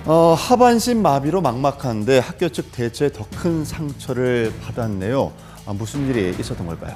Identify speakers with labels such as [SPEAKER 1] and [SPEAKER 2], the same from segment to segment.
[SPEAKER 1] 하반신 마비로 막막한데 학교 측 대체 더 큰 상처를 받았네요. 무슨 일이 있었던 걸까요?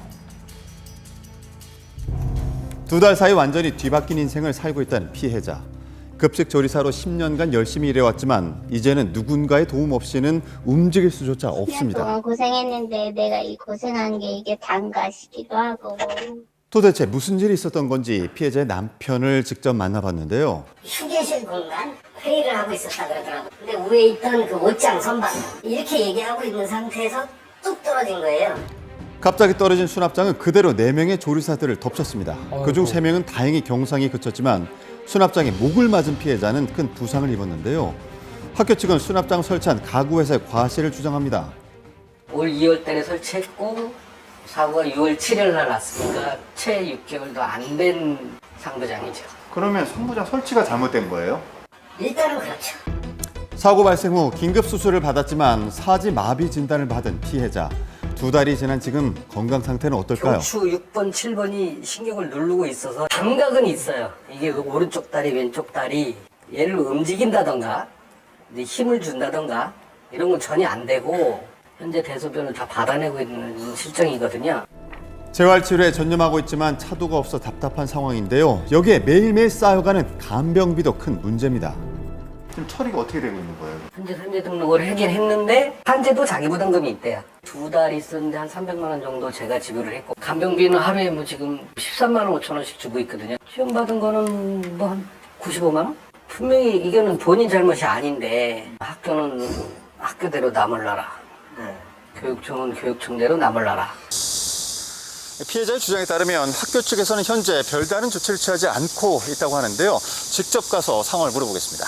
[SPEAKER 1] 2달 사이 완전히 뒤바뀐 인생을 살고 있다는 피해자. 급식 조리사로 10년간 열심히 일해왔지만 이제는 누군가의 도움 없이는 움직일 수조차
[SPEAKER 2] 10년
[SPEAKER 1] 없습니다.
[SPEAKER 2] 동안 고생했는데 내가 이 고생한 게 이게 단가 싶기도 하고.
[SPEAKER 1] 도대체 무슨 일이 있었던 건지 피해자의 남편을 직접 만나봤는데요.
[SPEAKER 3] 휴게실 공간 회의를 하고 있었다 그러더라고. 근데 위에 있던 그 옷장 선반 이렇게 얘기하고 있는 상태에서 뚝 떨어진 거예요.
[SPEAKER 1] 갑자기 떨어진 수납장은 그대로 4명의 조리사들을 덮쳤습니다. 그중 3명은 다행히 경상이 그쳤지만 수납장에 목을 맞은 피해자는 큰 부상을 입었는데요. 학교 측은 수납장 설치한 가구회사의 과실을 주장합니다.
[SPEAKER 4] 올 2월 달에 설치했고 사고가 6월 7일 날 났으니까 채 6개월도 안 된 상부장이죠.
[SPEAKER 1] 그러면 상부장 설치가 잘못된 거예요?
[SPEAKER 3] 일단은 그렇죠.
[SPEAKER 1] 사고 발생 후 긴급 수술을 받았지만 사지 마비 진단을 받은 피해자. 2달이 지난 지금 건강 상태는 어떨까요?
[SPEAKER 4] 경추 6번, 7번이 신경을 누르고 있어서 감각은 있어요. 이게 오른쪽 다리, 왼쪽 다리 얘를 움직인다던가 힘을 준다던가 이런 건 전혀 안 되고 현재 대소변을 다 받아내고 있는 실정이거든요.
[SPEAKER 1] 재활치료에 전념하고 있지만 차도가 없어 답답한 상황인데요. 여기에 매일매일 쌓여가는 간병비도 큰 문제입니다. 지금 처리가 어떻게 되고 있는 거예요?
[SPEAKER 4] 현재 산재 등록을 하긴 했는데 산재도 자기 부담금이 있대요. 2달 있었는데 한 300만 원 정도 제가 지불을 했고 간병비는 하루에 뭐 지금 13만 원 5천 원씩 주고 있거든요. 지원받은 거는 뭐 한 95만 원? 분명히 이거는 본인 잘못이 아닌데 학교는 학교대로 나몰라라. 교육청은 교육청대로 나몰라라.
[SPEAKER 1] 피해자의 주장에 따르면 학교 측에서는 현재 별다른 조치를 취하지 않고 있다고 하는데요. 직접 가서 상황을 물어보겠습니다.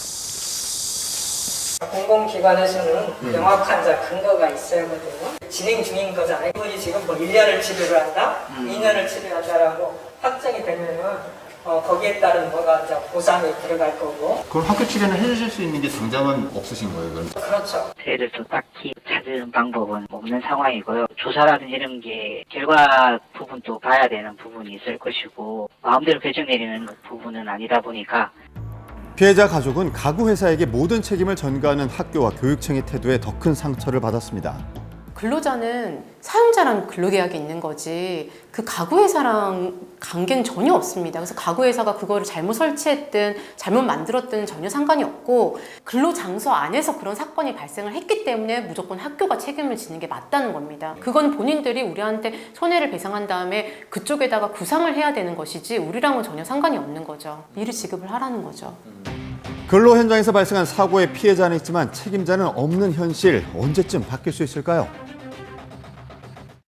[SPEAKER 5] 공공기관에서는 명확한 근거가 있어야 하거든요. 진행 중인 거잖아요. 이분이 지금 뭐 1년을 치료를 한다, 2년을 치료한다라고 확정이 되면은 거기에 따른 뭐가 이제 보상이 들어갈 거고.
[SPEAKER 1] 그럼 학교 측에는 해주실 수 있는 게 당장은 없으신 거예요, 그럼?
[SPEAKER 5] 그렇죠.
[SPEAKER 6] 저희들 또 딱히 찾은 방법은 없는 상황이고요. 조사라든지 이런 게 결과 부분도 봐야 되는 부분이 있을 것이고 마음대로 결정 내리는 부분은 아니다 보니까
[SPEAKER 1] 피해자 가족은 가구 회사에게 모든 책임을 전가하는 학교와 교육청의 태도에 더 큰 상처를 받았습니다.
[SPEAKER 7] 근로자는 사용자랑 근로계약이 있는 거지 그 가구회사랑 관계는 전혀 없습니다. 그래서 가구회사가 그거를 잘못 설치했든 잘못 만들었든 전혀 상관이 없고 근로장소 안에서 그런 사건이 발생을 했기 때문에 무조건 학교가 책임을 지는 게 맞다는 겁니다. 그건 본인들이 우리한테 손해를 배상한 다음에 그쪽에다가 구상을 해야 되는 것이지 우리랑은 전혀 상관이 없는 거죠. 이를 지급을 하라는 거죠.
[SPEAKER 1] 근로 현장에서 발생한 사고의 피해자는 있지만 책임자는 없는 현실 언제쯤 바뀔 수 있을까요?